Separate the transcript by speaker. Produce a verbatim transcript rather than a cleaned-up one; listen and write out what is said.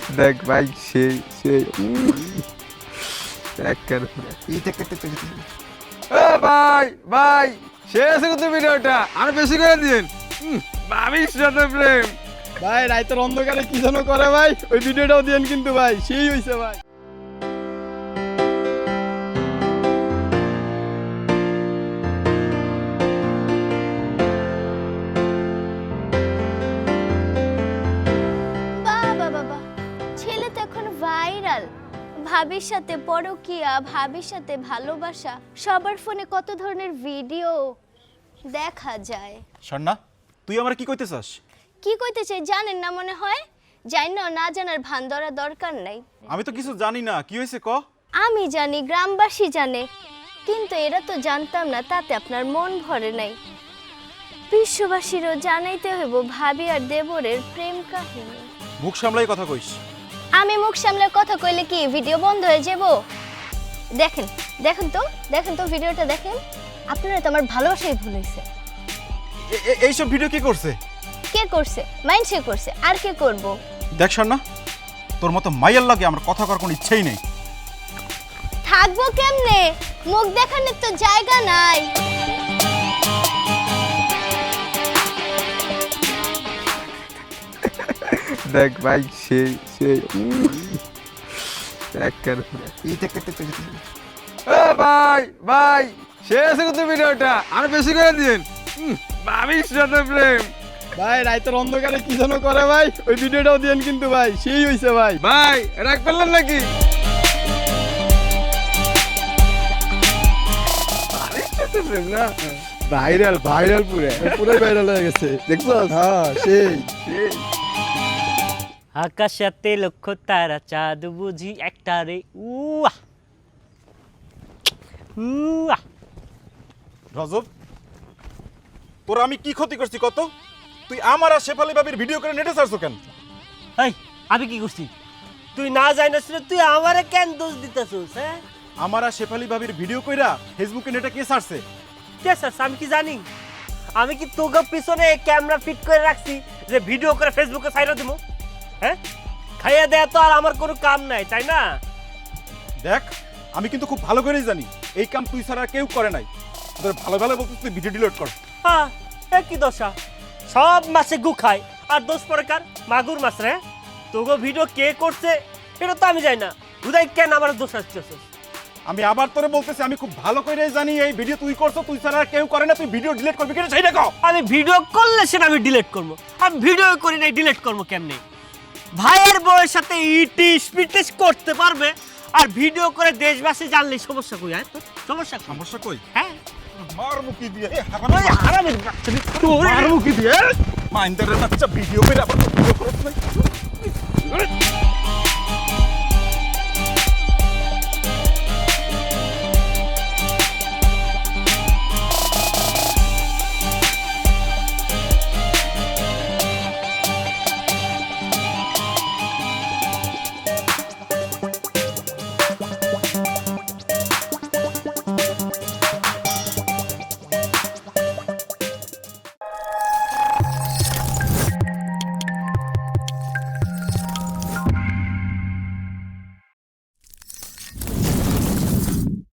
Speaker 1: দেখ ভাই সেই সেই দেখ কেন ভাই ভাই শেষ কিন্তু ভিডিওটা আর বেশি করে দিন ভাবিস সাথে প্রেম
Speaker 2: ভাই রাইতের অন্ধকারে কি যেন করে ভাই ওই ভিডিওটাও দিয়েন কিন্তু ভাই সেই হইছে ভাই।
Speaker 3: বাবা বাবা ছেলে তো এখন ভাইরাল, ভাবির সাথে পরকিয়া, ভাবির সাথে ভালোবাসা, সবার ফোনে কত ধরনের ভিডিও দেখা যায়।
Speaker 4: স্বর্ণা তুই আমার কি কইতে চাস?
Speaker 3: কি কইতে চাই জানেন না মনে হয়? জানি না, না জানার ভান ধরা দরকার নাই।
Speaker 4: আমি তো কিছু জানি না, কি হয়েছে ক?
Speaker 3: আমি জানি, গ্রামবাসী জানে, কিন্তু এরা তো জানতাম না, তাতে আপনার মন ভরে নাই। বিশ্ববাসীরও জানাইতে হইব ভাবি আর দেবরের প্রেম কাহিনী।
Speaker 4: মুখ সামলাই কথা কইস।
Speaker 3: আমি মুখ সামলে কথা কইলে কি ভিডিও বন্ধ হয়ে যাব? দেখেন দেখেন তো দেখেন তো ভিডিওটা দেখেন। আপনারা তো আমার ভালোবাসাই ভুল হইছে।
Speaker 4: এইসব ভিডিও কে করছে?
Speaker 3: কে করছে? মাইন্ডসে করছে, আর কে করব?
Speaker 4: দেখ স্বর্ণা, তোর মতো মাইয়ার লাগে আমার কথা করার কোনো ইচ্ছেই নেই।
Speaker 3: থাকবো কেমনে? মুখ দেখানোর তো জায়গা নাই।
Speaker 1: দেখ ভাই সেই সেই দেখ কেন ভাই ভাই শেষ কিন্তু ভিডিওটা আর বেশি করে দিন ভাবিস সাথে প্রেম
Speaker 2: ভাই রাইতের অন্ধকারে কি যেন করে ভাই ওই ভিডিওটাও দিয়েন কিন্তু ভাই সেই হইছে ভাই।
Speaker 1: ভাই রাগ পেলেন নাকি? ভাইরাল ভাইরাল পুরে
Speaker 2: পুরো ভাইরাল হয়ে গেছে দেখছো? হ্যাঁ সেই
Speaker 5: আকাশাতে লক্ষ তারা চাঁদ বুঝি একটা রে উয়া উয়া।
Speaker 4: রজব, তোর আমি কি ক্ষতি করছি কত? তুই আমার আর শেফালি ভাবির ভিডিও করে নেটে ছাড়ছো কেন?
Speaker 5: এই আমি কি করছি? তুই না জানিস তুই আমারে কেন দোষ দিতেছিস? হ্যাঁ,
Speaker 4: আমার আর শেফালি ভাবির ভিডিও কইরা ফেসবুকে নেটে কে ছাড়ছে?
Speaker 5: কে স্যার আমি কি জানি? আমি কি তোকে পিছনে ক্যামেরা ফিট করে রাখছি যে ভিডিও করে ফেসবুকে ছাইরা দিব? হ্যাঁ, খাইয়া দেয়া তো আর আমার কোনো কাম নাই, তাই না?
Speaker 4: দেখ আমি কিন্তু খুব ভালো করেই জানি এই কাম তুই ছাড়া কেউ করে নাই। তোদের ভালো ভালো বলতে তুই ভিডিও ডিলিট কর।
Speaker 5: হ্যাঁ, এ কি দশা? সব মাছে গু খায় আর দোষ পরে কার? মাগুর মাছ রে। তোকে ভিডিও কে করছে এটা তো আমি জানি না, বুঝাই কেন আমার দোষ আসতেছে?
Speaker 4: আমি আবার তোরে বলতেছি আমি খুব ভালো করেই জানি এই ভিডিও তুই করছো, তুই ছাড়া আর কেউ করে না। তুই ভিডিও ডিলিট করবি কেন সেইটা কও।
Speaker 5: আমি ভিডিও করলে সেটা আমি ডিলিট করবো। আমি ভিডিও করি নাই, ডিলিট করবো কেমনে? ভাইয়ের বউয়ের সাথে ইটিস পিটিস করতে পারবে আর ভিডিও করে দেশবাসী জানলে সমস্যা কই? হ্যাঁ সমস্যা কই?
Speaker 4: সমস্যা কই?
Speaker 5: হ্যাঁ
Speaker 4: মার মুখি দিয়ে এ
Speaker 5: ওই হারামির বাচ্চা রে, তোর
Speaker 4: মার মুখি দিয়ে মাইন্দারের বাচ্চা ভিডিও করে আবার ভিডিও করছ না।